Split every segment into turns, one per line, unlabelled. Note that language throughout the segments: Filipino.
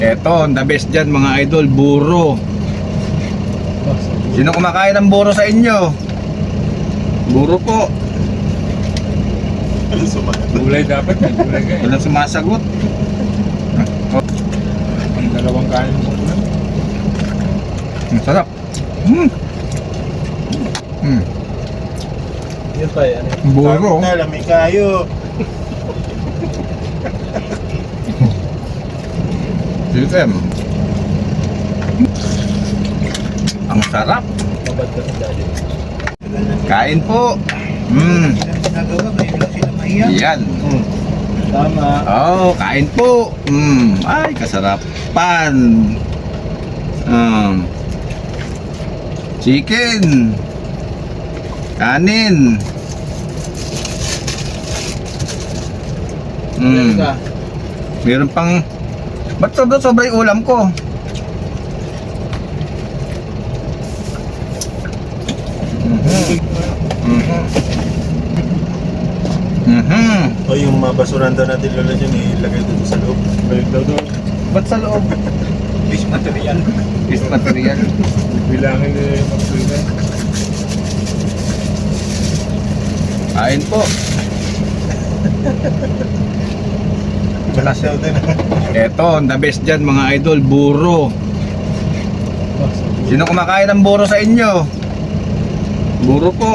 Eto, the best dyan mga idol, buro. Sino kumakain ng buro sa inyo? Buro po.
Gulay dapat yan, gulay ka eh.
Walang sumasagot.
Ang dalawang kanin mo na.
Ang sarap.
Yun pa eh, ano yun?
Buro.
Lamig kayo.
System. Ang sarap.
Mabad ka sa daddy.
Kain po.
Nagawa, ngayon lang sila mahiya.
Yan.
Tama.
Oh, kain po. Ay, kasarapan. Chicken. Kanin. Meron pang. Ba't sobra yung ulam ko?
O yung mga basuran daw natin lola dyan, ilagay dito sa loob.
Balik daw doon.
Ba't sa loob?
Fish material.
Fish material.
Bilangin na yung magsulit.
Kain po.
Balas daw din.
Eto, the best dyan mga idol, buro. Sino kumakain ng buro sa inyo? Buro po.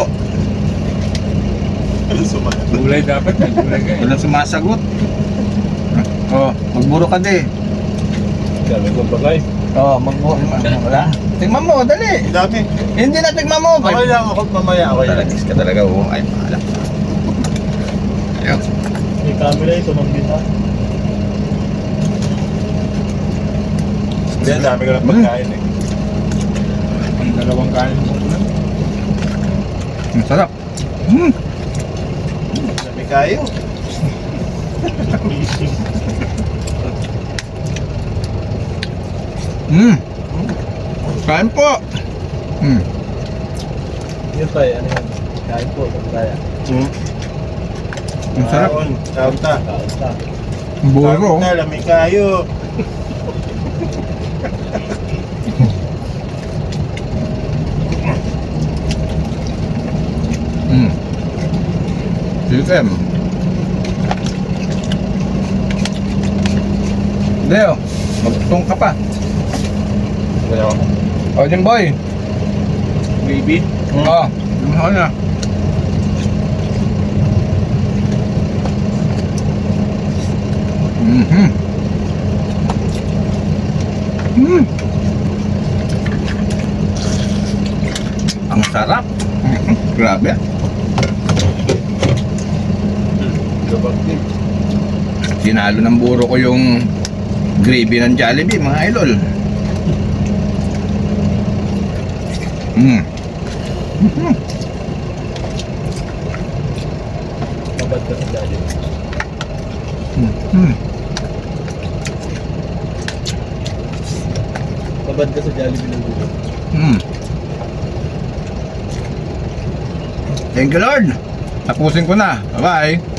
Gulay dapat yan, gulay ka eh.
Walang sumasagot. Oh, magburo ka di.
Dami kong bagay.
Oh, magburo. Wala. Tingnan mo, dali.
Dami.
Hindi na tingnan mo.
Okay lang ako mamaya. Okay lang.
Talagis ka talaga, oh. Ay, mahala. Ayaw.
May camera ito, mambita. Hindi, dami ko lang pagkain eh.
Ang dalawang kanin mo na.
Ang sarap.
Dami kayo.
Kain po.
Yun pa eh, ano yun? Kain po, kaya.
Ang sarap.
Kaunta. Kaunta.
Buro.
Kaunta, lamig kayo.
System. Leo, magtutong ka pa.
Kaya ako.
O, Jim Boy.
Baby?
Oo, lumahan na. Ang sarap. Grabe.
Gabag din.
Sinalo ng buro ko yung gravy ng Jollibee, mga idol.
Mabad ka sa daddy. Mabad ka sa Jollibee ng dulo.
Thank you, Lord. Tapusin ko na. Bye-bye.